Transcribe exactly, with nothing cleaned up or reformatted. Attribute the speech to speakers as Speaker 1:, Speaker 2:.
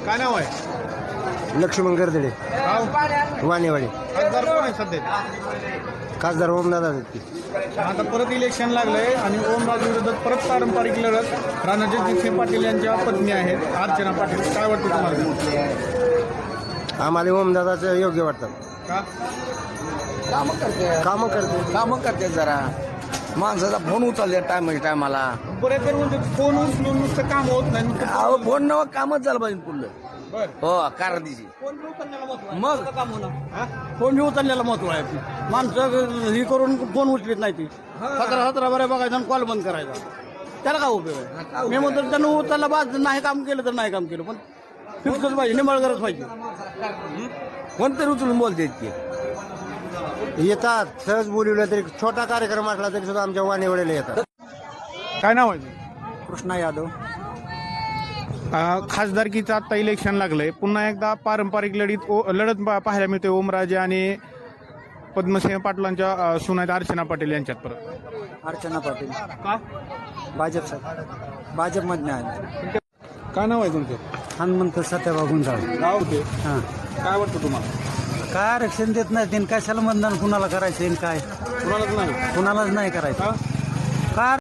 Speaker 1: काय नाव आहे?
Speaker 2: लक्ष्मण गर्दडे,
Speaker 1: गाव
Speaker 2: वाणेवाडी.
Speaker 1: खासदार कोण आहे सध्या?
Speaker 2: खासदार ओमदादा की.
Speaker 1: आता परत इलेक्शन लागलंय आणि ओमराजे विरोधात परत पारंपरिक लढत रणजित पाटील यांच्या पत्नी आहेत अर्चना पाटील. काय वाटतं तुम्हाला?
Speaker 2: आम्हाला ओमदादाचं योग्य वाटतं.
Speaker 1: का?
Speaker 3: कामं करते
Speaker 2: कामं करते.
Speaker 3: कामं करते जरा माणसाचा फोन उचलले टायम टायमाला.
Speaker 1: बरेच जण म्हणजे फोन उचलून नुसतं काम होत नाही नुसतं
Speaker 3: अहो फोन नव कामच झालं पाहिजे पुढलं.
Speaker 1: बरं.
Speaker 3: हो कारण दिशी
Speaker 1: फोन बी उचलण्याला महत्त्व आहे.
Speaker 3: मग
Speaker 1: काम होणार. हा?
Speaker 4: फोन बी उचलण्याला महत्व आहे. माणसं ही करून फोन उचलीत नाही ती सतरा सतरा बऱ्या बघायचा आणि कॉल बंद करायचा. त्याला काय उपयोग आहे? मी म्हणतो त्यानं उचलला बाद नाही काम केलं तर नाही काम केलं पण फिक्सच पाहिजे निमळगरच पाहिजे.
Speaker 3: कोणतरी उचलून बोलते इतके.
Speaker 2: येतात सहज बोलवलं तरी छोटा कार्यक्रम असला तरी सुद्धा आमच्या वाणेवाडीला येतात.
Speaker 1: काय नाव आहे तुझं?
Speaker 4: कृष्णा यादव.
Speaker 1: अ, खासदारकीचं आता इलेक्शन लागलंय. पुन्हा एकदा पारंपरिक लढीत ओ- लढत पा- पाहायला मिळते ओमराजे आणि पद्मसिंह पाटलांच्या अ, सून आहेत अर्चना पाटील यांच्यात परत.
Speaker 4: अर्चना पाटील
Speaker 1: का?
Speaker 4: भाजप भाजपमधने आहे.
Speaker 1: काय नाव आहे तुमचं?
Speaker 4: हनुमंत सत्याबा गुंजाळ.
Speaker 1: गाव ते
Speaker 4: हां
Speaker 1: काय वाटतं तुम्हाला?
Speaker 4: काय आरक्षण देत नाही तीन कशाला मतदान कुणाला करायचं काय
Speaker 1: कुणालाच नाही.
Speaker 4: कुणालाच नाही करायचं.
Speaker 1: का?
Speaker 4: काय